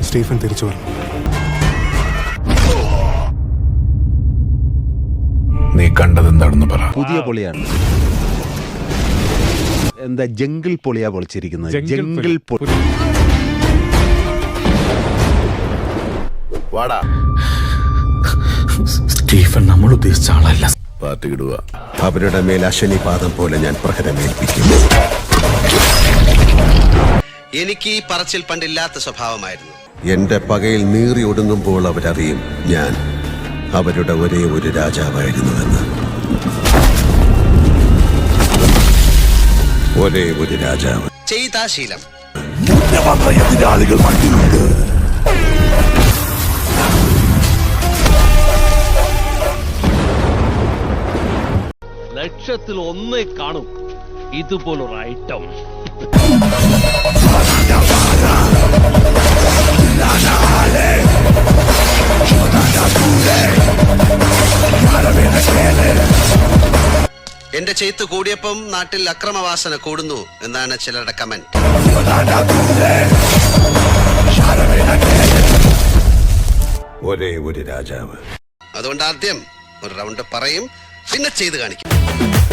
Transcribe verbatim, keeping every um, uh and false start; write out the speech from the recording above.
Stephen തിരിച്ചു വരണം. നീ കണ്ടത് എന്താണെന്ന് പറ. പുതിയ പൊളിയാണ്. എന്താ ജംഗിൾ പൊളിയാ പൊളിച്ചിരിക്കുന്നത്? ജംഗിൾ പൊളി. വാടാ. സ്റ്റീഫൻ നമ്മൾ ഉദ്ദേശിച്ച ആളല്ല. പാർട്ടി ഇടുക. അവരുടെ മേൽ അശനിപാതം പോലെ ഞാൻ പ്രഹരമേൽപ്പിക്കുന്നു. എനിക്ക് ഈ പറച്ചിൽ പണ്ടില്ലാത്ത സ്വഭാവമായിരുന്നു. എന്റെ പകയിൽ നീറി ഒടുങ്ങുമ്പോൾ അവരറിയും ഞാൻ അവരുടെ ഒരേ ഒരു രാജാവായിരുന്നുവെന്ന്. ഒരേ ഒരു രാജാവ്. ചെയ്താ ശീലം. എതിരാളികൾ മണ്ണിലുണ്ട്. ലക്ഷത്തിൽ ഒന്നേ കാണും ഇതുപോലൊരു ഐറ്റം. എന്റെ ചെയ്ത്ത് കൂടിയപ്പം നാട്ടിൽ അക്രമവാസന കൂടുന്നു എന്നാണ് ചിലരുടെ കമന്റ്. ഒരേ ഒരു രാജാവ്. അതുകൊണ്ട് ആദ്യം ഒരു റൗണ്ട് പറയും, പിന്നെ ചെയ്ത് കാണിക്കും.